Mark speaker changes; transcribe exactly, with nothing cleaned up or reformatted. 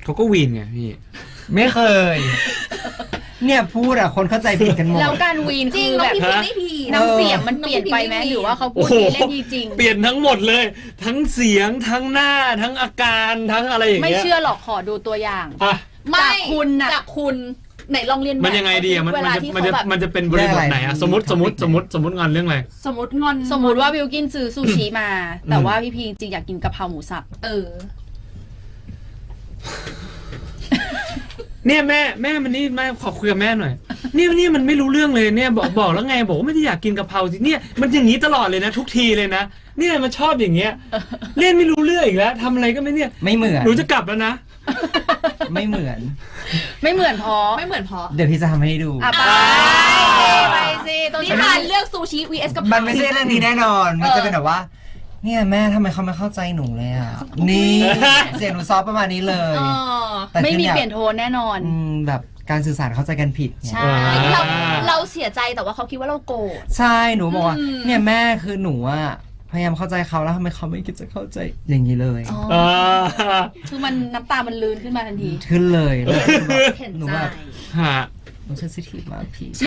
Speaker 1: เขาก็วีนไงพี่
Speaker 2: ไม่เคยเนี่ยพูดอะคนเข้าใจผิดกันหมด
Speaker 3: แล้วการวีนคือแบบน้ำเสียงมันเปลี่ยนไปไหมหรือว่าเขาพูดเล่นจริง
Speaker 1: เปลี่ยนทั้งหมดเลยทั้งเสียงทั้งหน้าทั้งอาการทั้งอะไรอย่างเงี้ย
Speaker 3: ไม่เชื่อหรอกขอดูตัวอย่างจากคุณน่ะจากคุณไหนลองเรียน
Speaker 1: มันยังไงดีอะมันมันจะมันจะเป็นบริบทไหนอะสมมติสมมติสมมติสมมติงอนเรื่องอะไร
Speaker 3: สมมติงอนสมมติว่าบิวกินซื้อซูชิมาแต่ว่าพี่พีจริงอยากกินกะเพราหมูสับเออ
Speaker 1: เนี่ยแม่แม่มันนี่แม่ขอคุยกับแม่หน่อยนี่นี่มันไม่รู้เรื่องเลยเนี่ยบอกบอกแล้วไงบอกว่าไม่ได้อยากกินกะเพราสิเนี่ยมันอย่างนี้ตลอดเลยนะทุกทีเลยนะเนี่ยมันชอบอย่างเงี้ยเล่นไม่รู้เรื่องอีกแล้วทำอะไรก็ไม่เนี่ย
Speaker 2: ไม่เหมือน
Speaker 1: หนูจะกลับแล้วนะ
Speaker 2: ไม่เหมือน
Speaker 3: ไม่เหมือนพอ
Speaker 4: ไม่เหมือนพอ
Speaker 2: เดี๋ยวพี่จะทำให้ดู
Speaker 3: ไปไปสิตรงนี้
Speaker 4: ผ่านเลือกซูชิ วี เอส กะเพรา
Speaker 2: มันไม่ใช่เรื่องนี้แน่นอนมันจะเป็นแบบว่าเนี่ยแม่ทำไมเขาไม่เข้าใจหนูเลยอ่ะนี่เสียงหนูซอฟประมาณนี้เลย
Speaker 3: ไม่มีเปลี่ยนโทนแน่นอน
Speaker 2: แบบการสื่อสารเข้าใจกันผิด
Speaker 4: ใช่เราเราเสียใจแต่ว่าเขาคิดว่าเราโกรธ
Speaker 2: ใช่หนูบอกว่าเนี่ยแม่คือหนูอ่ะพยายามเข้าใจเขาแล้วทำไมเขาไม่คิดจะเข้าใจอย่างนี้เลย
Speaker 3: คือมันน้ำตามันลื่นขึ้นมาทันที
Speaker 2: ขึ้นเลย
Speaker 4: เห็น
Speaker 2: หนู
Speaker 4: ใจ
Speaker 2: แบบหนูเซนซิทีฟมากพี่